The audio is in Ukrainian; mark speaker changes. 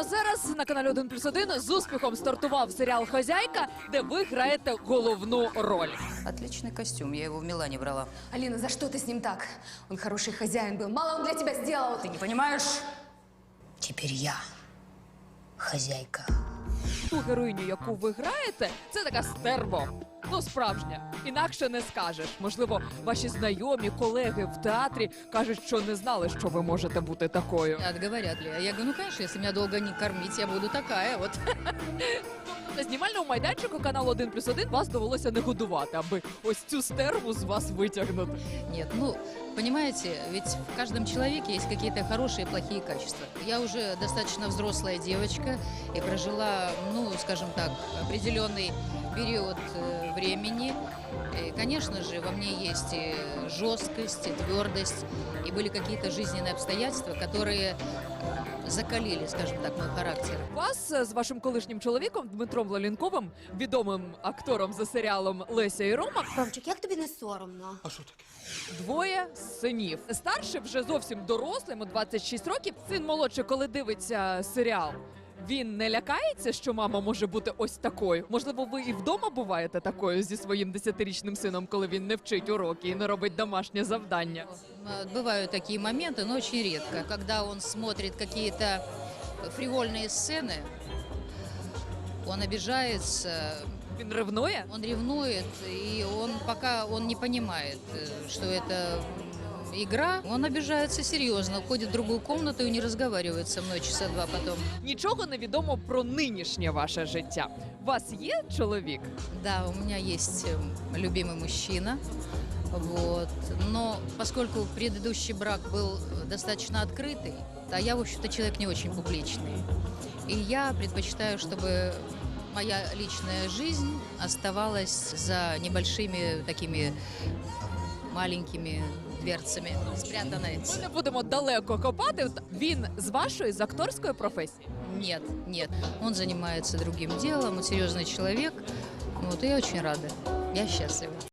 Speaker 1: а зараз на каналі 1+1 з успіхом стартував серіал «Хозяйка», де ви граєте головну роль.
Speaker 2: Отличный костюм, я его в Милане брала.
Speaker 3: Алина, за что ты с ним так? Он хороший хозяин был, мало он для тебя сделал.
Speaker 2: Ты не понимаешь? Теперь я хозяйка.
Speaker 1: Ту героїню, яку ви граєте, це така стерво. Ну, справжня. Інакше не скажеш. Можливо, ваші знайомі, колеги в театрі кажуть, що не знали, що ви можете бути такою.
Speaker 4: Говорят ли? А я говорю, ну, конечно, если меня долго не кормить, я буду такая вот.
Speaker 1: На знімальному майданчику каналу 1+1 вас довелося не годувати, аби ось цю стерву з вас витягнути.
Speaker 4: Нет, ну, понимаете, ведь в каждом человеке есть какие-то хорошие и плохие качества. Я уже достаточно взрослая девочка и прожила, ну, скажем так, определенный период времени. И, конечно же, во мне есть и жесткость, и твердость, и были какие-то жизненные обстоятельства, которые закалили, скажем так, мой характер.
Speaker 1: Вас з вашим колишнім чоловіком Дмитром Лалінковим, відомим актором за серіалом «Леся і Рома»,
Speaker 3: Ромчик, як тобі не соромно?
Speaker 1: двоє синів. Старший вже зовсім дорослий, йому 26 років. Син молодший, коли дивиться серіал, він не лякається, що мама може бути ось такою? Можливо, ви і вдома буваєте такою зі своїм 10-річним сином, коли він не вчить уроки і не робить домашнє завдання?
Speaker 4: Бывают такие моменты, но очень редко. Когда он смотрит какие-то фривольные сцены, он обижается,
Speaker 1: Він ревнує?
Speaker 4: он ревнует, и он пока он не понимает, что это игра, он обижается серьезно, уходит в другую комнату и не разговаривает со мной часа два потом.
Speaker 1: Нічого не відомо про нинішнє ваше життя. У вас є чоловік?
Speaker 4: Да, у меня есть любимый мужчина, вот. Но поскольку предыдущий брак был достаточно открытый, а я, в общем-то, человек не очень публичный, и я предпочитаю, чтобы моя личная жизнь оставалась за небольшими такими маленькими дверцами, спрятанной.
Speaker 1: Ми не будемо далеко копати. Він з вашої, з акторської професії?
Speaker 4: Нет, нет, он занимается другим делом, он серьезный человек, вот, и я очень рада, я счастлива.